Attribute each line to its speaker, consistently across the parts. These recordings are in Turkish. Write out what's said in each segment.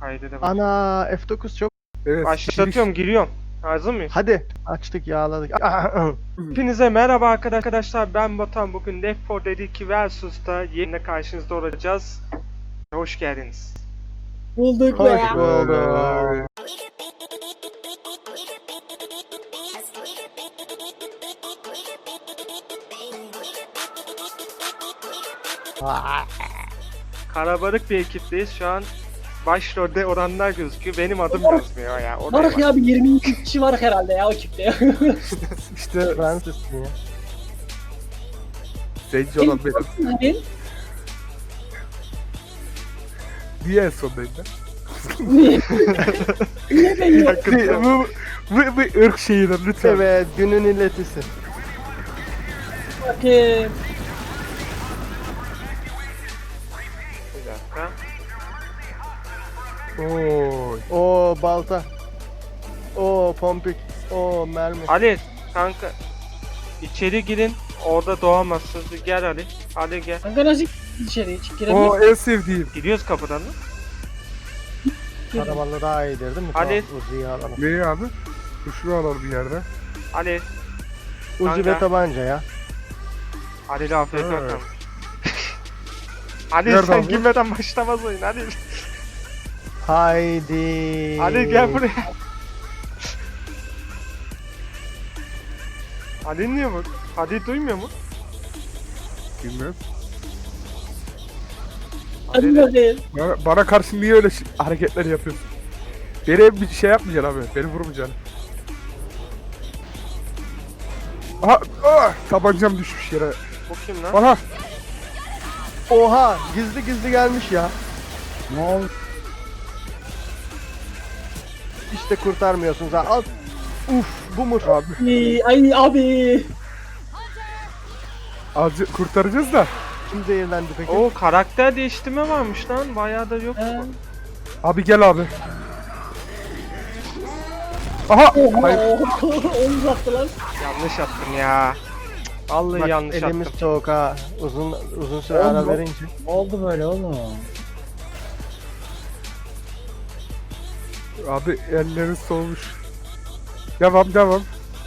Speaker 1: Kaydı da bak.
Speaker 2: Ana F9 çok.
Speaker 3: Evet.
Speaker 1: Başlatıyorum, giriyorum. Hazır mıyız?
Speaker 2: Hadi açtık yağladık.
Speaker 1: Hepinize merhaba arkadaşlar, ben Batuhan. Bugün Left 4 Dead 2 Versus'ta yine karşınızda olacağız. Hoş geldiniz.
Speaker 4: Bulduk
Speaker 2: Hoş
Speaker 4: be.
Speaker 2: bulduk.
Speaker 1: Karabalık bir ekipteyiz şu an. Başrolde oranlar gözüküyor. Benim adım yazmıyor ya. O da
Speaker 4: Varık
Speaker 1: var.
Speaker 4: ya bir 22 kişi var herhalde ya o ekipte.
Speaker 2: İşte Fransız ya.
Speaker 3: Zenci olan benim.
Speaker 4: Hani?
Speaker 3: Niye en sondayım ben?
Speaker 4: Niye? Niye ben yok?
Speaker 3: Bu ırk şeyidir lütfen.
Speaker 2: Evet günün illetisi.
Speaker 4: Bakayım.
Speaker 1: Bir dakika.
Speaker 3: Oy.
Speaker 2: O balta. O pompik. O mermi.
Speaker 1: Ali kanka, içeri girin. Orada doğamazsınız. Gel Ali. Ali gel.
Speaker 4: Kanka nasıl içeri hiç
Speaker 3: O
Speaker 4: giremiyor?
Speaker 3: en sevdiğim.
Speaker 1: Gidiyoruz kapıdan mı?
Speaker 2: Karamanlı daha iyidir değil mi?
Speaker 1: Hadi.
Speaker 2: Tamam, Uzi'yi alalım.
Speaker 3: Neyi abi? Şunu alalım bir yerde.
Speaker 1: Ali.
Speaker 2: Uzi
Speaker 1: Kanka.
Speaker 2: ve tabanca ya.
Speaker 1: Ali ile afiyet
Speaker 3: Evet.
Speaker 1: olsun. Ali
Speaker 3: Nerede
Speaker 1: sen
Speaker 3: abi?
Speaker 1: girmeden başlamaz oyun. Ali.
Speaker 2: Haydi.
Speaker 1: Ali gel buraya. Ali niye bu? Ali duymuyor mu?
Speaker 3: Bilmem.
Speaker 4: Hadi bakayım.
Speaker 3: Bana karşı niye öyle hareketler yapıyorsun? Beni bir şey yapmayacaksın abi. Beni vurmayacaksın. Aha! Tabancam düşmüş yere.
Speaker 1: Bu kim lan?
Speaker 3: Aha!
Speaker 2: Oha gizli gizli gelmiş ya.
Speaker 3: Ne oldu?
Speaker 2: İşte kurtarmıyorsunuz ha. Al. Uf bu mu?
Speaker 3: Abi
Speaker 4: Ay abi.
Speaker 3: azıcık kurtaracağız da.
Speaker 2: Kim zehirlendi peki?
Speaker 1: Oo, karakter değiştirme varmış lan. Bayağı da yok.
Speaker 4: He.
Speaker 3: Abi gel abi. Aha! Hayır.
Speaker 4: Onu uzattı lan.
Speaker 1: Yanlış attım ya. Cık, vallahi
Speaker 2: Bak,
Speaker 1: yanlış
Speaker 2: elimiz
Speaker 1: attım.
Speaker 2: soğuk ha. Uzun süre ara verince.
Speaker 5: Ne oldu böyle oğlum?
Speaker 3: Abi elleriniz soğumuş. Devam.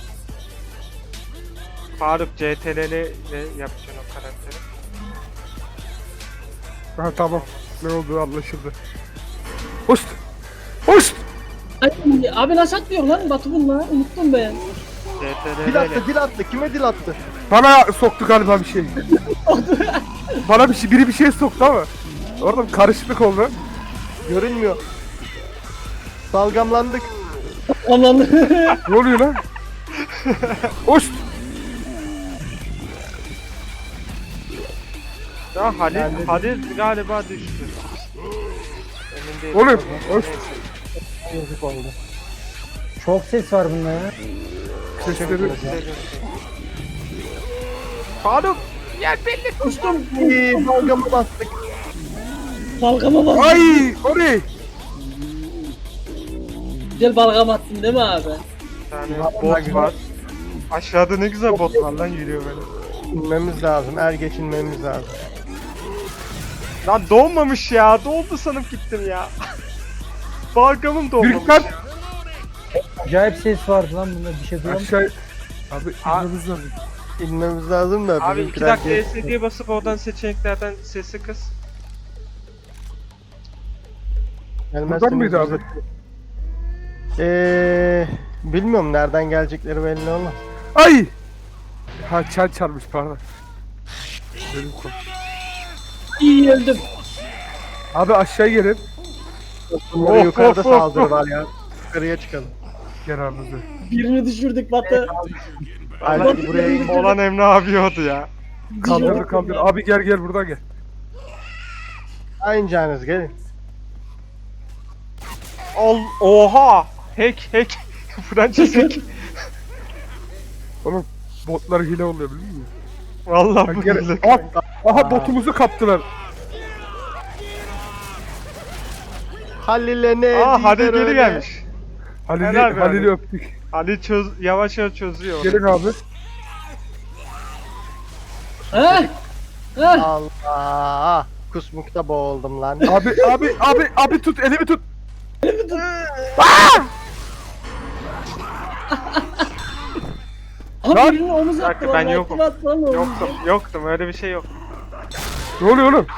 Speaker 1: Faruk CTRL ile yapacaksın o karakteri.
Speaker 3: Ha tamam. Ne olduğu anlaşıldı. Hoşt! Hoşt!
Speaker 4: Ay, abi nasıl atmıyor lan Batu bunlar? Unuttum ben.
Speaker 1: CTRL
Speaker 2: Dil
Speaker 1: ile.
Speaker 2: attı dil attı. Kime dil attı?
Speaker 3: Bana soktu galiba bir şey. Bana biri bir şey soktu ama. Orada bir karışıklık oldu.
Speaker 2: Görünmüyor. Salgamlandık.
Speaker 4: Aman.
Speaker 3: Ne oluyor lan? Hoşt!
Speaker 1: Ya Halil,
Speaker 2: Ben de-
Speaker 1: Halil galiba düştü. Emin değilim.
Speaker 3: Oğlum, hoş.
Speaker 2: Yazık oldu.
Speaker 5: Çok ses var bunda ya.
Speaker 3: Sesleri.
Speaker 1: Faruk!
Speaker 4: Kustum.
Speaker 2: İyi salgama bastık.
Speaker 4: Balgama bak.
Speaker 3: Ay! O ne?
Speaker 4: Güzel balgam attın değil mi abi?
Speaker 1: Bir tane bot var. Aşağıda ne güzel bot var lan, yürüyor böyle.
Speaker 2: İnmemiz lazım. Geçinmemiz lazım.
Speaker 1: Lan doğmamış ya. Doğdu sanıp gittim ya. Balgamım doğmamış.
Speaker 3: Gürkan!
Speaker 5: Acayip ses vardı lan bunda, bir şey duyamıyorum.
Speaker 3: Aşağı... Abi inmemiz lazım.
Speaker 2: İnmemiz lazım da.
Speaker 1: Abi 2
Speaker 2: bizimkiler
Speaker 1: dakika
Speaker 2: geç-
Speaker 1: SD'ye basıp oradan seçeneklerden sesi kıs.
Speaker 2: gelmezseniz
Speaker 3: Buradan mıydı abi?
Speaker 2: Bilmiyorum nereden gelecekleri belli olmaz.
Speaker 3: Ay! Ha çan çarmış pardon. Benim kol.
Speaker 4: İyi öldüm.
Speaker 3: Abi aşağı gelin.
Speaker 2: Bunlara
Speaker 1: Of,
Speaker 2: yukarıda
Speaker 1: of, of,
Speaker 2: saldırı
Speaker 1: of.
Speaker 2: var ya. Yukarıya çıkalım.
Speaker 3: Gel aramızda.
Speaker 4: Birini düşürdük Batu.
Speaker 2: Hadi buraya in.
Speaker 1: Olan Emre abi oldu ya.
Speaker 3: Kaldır. Abi gel buradan gel.
Speaker 2: Aynı canınız gelin.
Speaker 1: Oha! Hack. Fransız hack.
Speaker 3: Oğlum botlar hile oluyor biliyor musun?
Speaker 1: Vallahi bu
Speaker 3: Gel.
Speaker 1: hile.
Speaker 3: Aha botumuzu kaptılar.
Speaker 2: Halil'e ne?
Speaker 1: Aa, Halil
Speaker 2: diler
Speaker 1: geri
Speaker 2: öyle?
Speaker 1: gelmiş. Helal be
Speaker 3: Halil'i
Speaker 1: abi.
Speaker 3: öptük.
Speaker 1: Ali yavaş çözüyor onu.
Speaker 3: Gelin abi.
Speaker 4: Ha? Ha?
Speaker 2: Allah. Kusmukta boğuldum lan.
Speaker 3: Abi tut elimi tut.
Speaker 4: Abi
Speaker 3: Lan!
Speaker 4: birinin omuz
Speaker 1: Bir
Speaker 4: attı
Speaker 1: dakika, ben
Speaker 4: vallahi,
Speaker 1: yokum.
Speaker 4: kim attı lan omuzu?
Speaker 1: Yoktum öyle bir şey yok.
Speaker 3: Ne oluyor oğlum?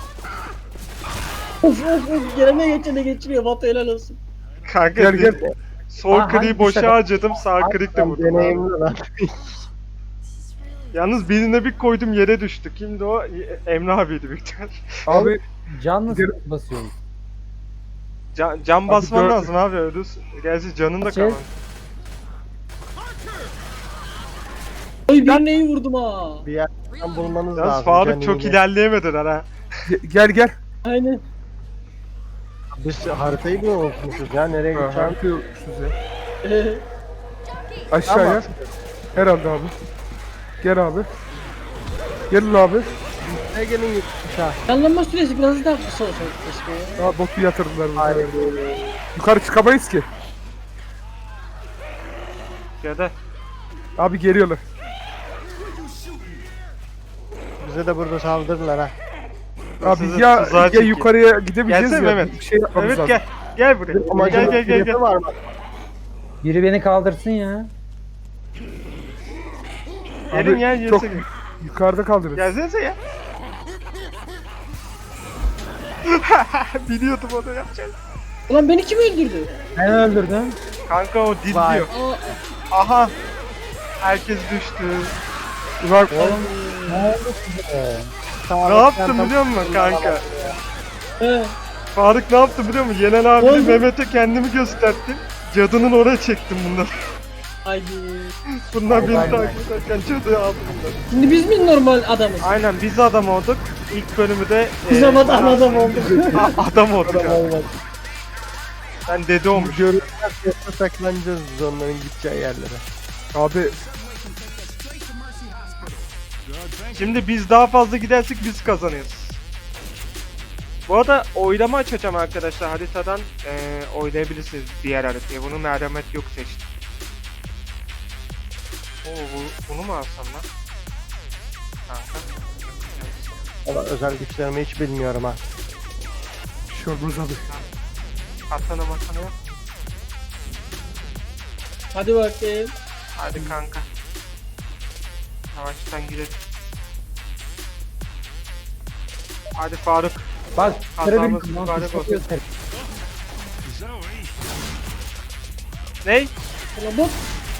Speaker 4: Of of of gelene geçene geçiriyor Batu helal olsun.
Speaker 1: Kanka
Speaker 3: Gel gel.
Speaker 1: sol
Speaker 5: Aa,
Speaker 1: kliği
Speaker 5: hangi
Speaker 1: boşa
Speaker 5: tuşa-
Speaker 1: harcadım, sağ klik de vurdum. abi.
Speaker 2: Deneyimli lan.
Speaker 1: Yalnız birine bir koydum yere düştü. Kimdi o? Emre abiydi büyük ihtimal.
Speaker 3: Abi
Speaker 5: Can nasıl
Speaker 3: Gidelim.
Speaker 5: basıyoruz?
Speaker 1: Can basman
Speaker 3: dört-
Speaker 1: lazım abi ölürsün. Gerçi canın da
Speaker 5: Şey-
Speaker 1: kalmadı.
Speaker 4: Ay birine iyi vurdum ha.
Speaker 2: Bir yerden bulmanız
Speaker 1: Yalnız
Speaker 2: lazım.
Speaker 1: Faruk
Speaker 2: Can
Speaker 1: çok
Speaker 2: iyi.
Speaker 1: ilerleyemediler ha.
Speaker 3: gel gel.
Speaker 4: Aynen.
Speaker 2: Biz haritayı mı unutmuşuz ya? Nereye
Speaker 3: Ha,
Speaker 2: gideceğim?
Speaker 3: harika yokmuşuz ya.
Speaker 4: Ee,
Speaker 3: Aşağıya.
Speaker 2: Ama
Speaker 3: Herhalde abi. Gel abi. Gelin abi.
Speaker 2: ne gelin aşağı.
Speaker 4: Canlanma süresi biraz daha kısa olsa keşke ya.
Speaker 3: Aa botu yatırdılar burada.
Speaker 2: Hayır.
Speaker 3: Yukarı çıkamayız ki.
Speaker 1: Ya da
Speaker 3: Abi geliyorlar.
Speaker 2: Bize de burada saldırırlar ha.
Speaker 3: Abi
Speaker 1: Sizi
Speaker 3: ya,
Speaker 1: tuzağa
Speaker 3: ya
Speaker 1: çekeyim.
Speaker 3: yukarıya gidemeyeceğiz
Speaker 1: Gelsene
Speaker 3: ya.
Speaker 1: Mehmet.
Speaker 3: Bir şey yapmamız
Speaker 1: evet
Speaker 3: lazım.
Speaker 1: gel. Gel buraya.
Speaker 2: Amacın
Speaker 1: Gel.
Speaker 2: var mı?
Speaker 5: Biri beni kaldırsın ya.
Speaker 1: Gelin
Speaker 3: Abi,
Speaker 1: ya
Speaker 3: çok
Speaker 1: yesene.
Speaker 3: yukarıda kaldırırız.
Speaker 1: Gelsenize ya. Biliyordum onu yapacağını.
Speaker 4: Ulan beni kim öldürdü?
Speaker 5: Ben öldürdüm.
Speaker 1: Kanka o dil
Speaker 2: Vay.
Speaker 1: diyor.
Speaker 4: Aa,
Speaker 1: Aha. Herkes düştü.
Speaker 3: Bak
Speaker 5: Ne oldu size?
Speaker 1: Ne yaptım biliyor musun kanka?
Speaker 4: he.
Speaker 1: Faruk ne yaptı biliyor musun? Yenen abi
Speaker 4: Oldu.
Speaker 1: Mehmet'e kendimi gösterdim. Cadının oraya çektim bunları.
Speaker 4: Haydi.
Speaker 1: Bunlar beni
Speaker 2: Vay vay.
Speaker 1: takip ederken cadıya aldım bunları.
Speaker 4: Şimdi biz mi normal adamız?
Speaker 1: Aynen biz adam olduk. İlk bölümü de
Speaker 4: Biz ama adam olduk.
Speaker 1: adam olduk abi. Ben dede olmuş.
Speaker 2: Görürler yoksa saklanacağız biz onların gideceği yerlere.
Speaker 3: abi
Speaker 1: Şimdi biz daha fazla gidersek biz kazanıyoruz. Bu arada oylama açacağım arkadaşlar haritadan oylayabilirsiniz diğer haritayı. Bunu merhamet yok seçtim. Oo bunu mu alsam lan? Kanka.
Speaker 2: Ama özel güçlerimi hiç bilmiyorum ha.
Speaker 3: bir şey olmaz abi.
Speaker 1: Atana matana yap.
Speaker 4: Hadi bakayım.
Speaker 1: Hadi kanka. Yavaştan gidelim. Hadi Faruk.
Speaker 5: Bak sıra
Speaker 1: Hatamız
Speaker 5: benim. Lan
Speaker 1: mübarek
Speaker 5: tuşa
Speaker 1: olsun.
Speaker 5: göster.
Speaker 1: Ney?
Speaker 4: Ulan bot.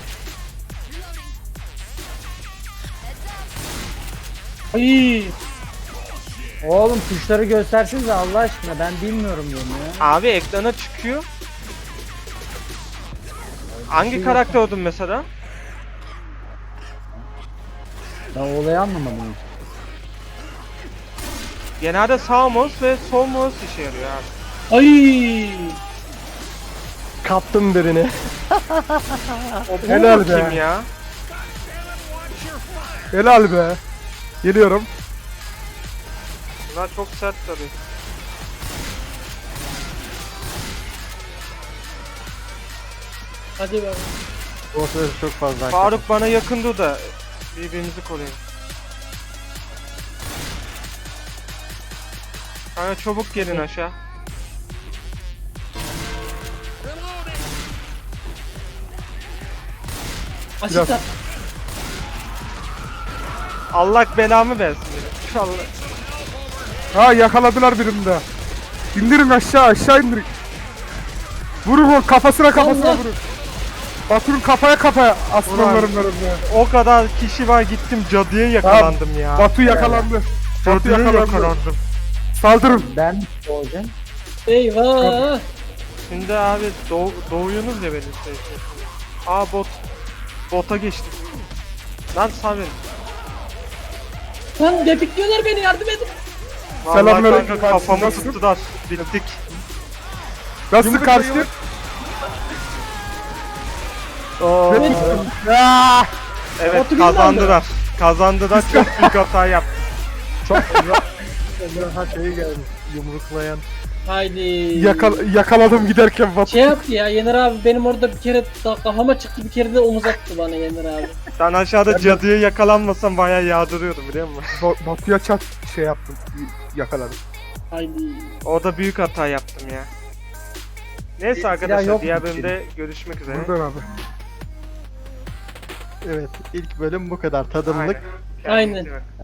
Speaker 4: Ay.
Speaker 5: Oğlum tuşları göstersenize Allah aşkına ben bilmiyorum bunu ya.
Speaker 1: Abi ekrana çıkıyor. Hangi karakter oldun mesela?
Speaker 5: Ben olayı anlamadım hiç.
Speaker 1: Genelde sağ mouse ve sol mouse işe yarıyor abi.
Speaker 4: Ay.
Speaker 2: Kaptım birini.
Speaker 1: O bu
Speaker 3: Helal
Speaker 1: mu
Speaker 3: be.
Speaker 1: kim ya?
Speaker 3: Helal be. Geliyorum.
Speaker 1: Bunlar çok sert tabii.
Speaker 4: Hadi be.
Speaker 2: O sırası çok fazla.
Speaker 1: Faruk bana yakın dur da birbirimizi koruyun. Kanka çabuk gelin aşağı.
Speaker 4: Asit at.
Speaker 1: Allah belamı versin benim. İnşallah.
Speaker 3: Ha yakaladılar birini de. İndirin aşağı indirin. Vurun o kafasına
Speaker 4: Allah.
Speaker 3: vurun. Batu'nun kafaya aslanlarım benim ya.
Speaker 1: O kadar kişi var gittim cadıya yakalandım ya.
Speaker 3: Batu yakalandı. Batu
Speaker 1: Cadıya
Speaker 3: yakalandı.
Speaker 1: yakalandım.
Speaker 3: Saldırın.
Speaker 5: Ben mi olacağım?
Speaker 4: Eyvah.
Speaker 1: Şimdi abi doğuyorsunuz ya benim şey. Aa bota geçtik. Lan sağ verin.
Speaker 4: Lan depikliyorlar beni yardım edin.
Speaker 1: Vallahi
Speaker 3: Selamünaleyküm
Speaker 1: kanka
Speaker 3: kardeşim,
Speaker 1: kafamı
Speaker 3: nasılsın?
Speaker 1: tuttular. Bittik.
Speaker 3: Nasıl
Speaker 1: Yumruk
Speaker 3: karşı?
Speaker 1: yumruk.
Speaker 2: Oo.
Speaker 4: Evet.
Speaker 3: Aa!
Speaker 1: Evet
Speaker 4: Batu
Speaker 1: kazandılar. Kazandılar çok büyük hata yaptı.
Speaker 2: Daha şey gelmiş. Yumruklayan.
Speaker 4: Haydi.
Speaker 3: Yakaladım giderken Batu.
Speaker 4: Şey yaptı ya Yener abi benim orada bir kere kafama çıktı bir kere de omuz attı bana Yener abi.
Speaker 1: Ben aşağıda cadıya yakalanmasam bayağı yağdırıyordum biliyor musun?
Speaker 3: Batu'ya çat şey yaptım. Yakaladım.
Speaker 4: Haydi.
Speaker 1: Orada büyük hata yaptım ya. Neyse
Speaker 5: Silah
Speaker 1: arkadaşlar
Speaker 5: yok
Speaker 1: diğer
Speaker 5: mu
Speaker 1: bölümde görüşmek üzere.
Speaker 3: Buradan abi.
Speaker 2: Evet ilk bölüm bu kadar tadımlık.
Speaker 1: Aynen. Kendinize
Speaker 4: Aynen.
Speaker 1: iyi bakın.